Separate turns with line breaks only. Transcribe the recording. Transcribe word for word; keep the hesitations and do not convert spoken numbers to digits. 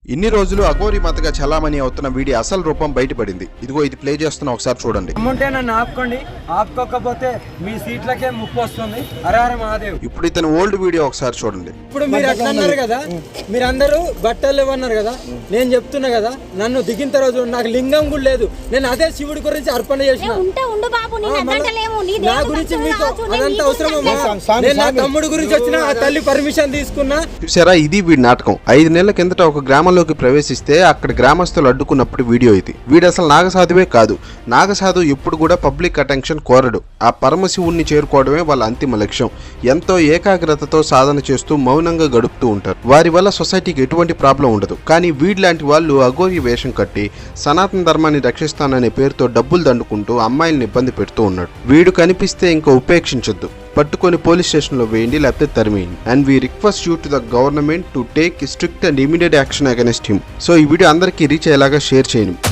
ఇన్ని రోజులు అఘోరి మాతగా చలామణి అవుతున్న వీడి అసలు రూపం బయటపడింది. ఇదిగో ఇది ప్లే చేస్తున్నా, ఒకసారి చూడండి.
అమ్ముంటే నన్ను ఆపుకోండి, ఆపుకోకపోతే మీ సీట్లకే ముప్పు వస్తుంది. హరహర మహాదేవ్.
ఇప్పుడు ఇతని ఓల్డ్ వీడియో ఒకసారి చూడండి.
ఇప్పుడు మీరు అట్లా అన్నారు కదా, మీరందరూ బట్టలు ఇవ్వన్నారు కదా, నేను చెప్తున్నా కదా, నన్ను దిగిన తర్వాత నాకు లింగం కూడా లేదు. నేను అదే శివుడి గురించి అర్పణ చేసిన. నా గురించి మీకు అదంత అవసరమా? నేను నా తమ్ముడు గురించి వచ్చిన ఆ తల్లి పర్మిషన్ తీసుకున్నా.
చూసారా, ఇది వీడి నాటకం. ఐదు నెలల కిందట ఒక గ్రామంలోకి ప్రవేశిస్తే అక్కడ గ్రామస్తులు అడ్డుకున్నప్పుడు వీడియో ఇది. వీడు అసలు నాగసాధువే కాదు. నాగసాధు ఎప్పుడు కూడా పబ్లిక్ అటెన్షన్ కోరడు. ఆ పరమశివుణ్ణి చేరుకోవడమే వాళ్ళ అంతిమ లక్ష్యం. ఎంతో ఏకాగ్రతతో సాధన చేస్తూ మౌనంగా గడుపుతూ ఉంటారు. వారి వల్ల సొసైటీకి ఎటువంటి ప్రాబ్లం ఉండదు. కానీ వీడిలాంటి వాళ్ళు అఘోరి వేషం కట్టి సనాతన ధర్మాన్ని రక్షిస్తాననే పేరుతో డబ్బులు దండుకుంటూ అమ్మాయిల్ని ఇబ్బంది పెడుతూ ఉన్నాడు. వీడు కనిపిస్తే ఇంకా ఉపేక్షించొద్దు, పట్టుకొని పోలీస్ స్టేషన్లో వేయండి, లేకపోతే తరిమేయండి. And we request you to the government to take strict and immediate action against him. So ఈ వీడియో అందరికీ రీచ్ అయ్యేలాగా షేర్ చేయండి.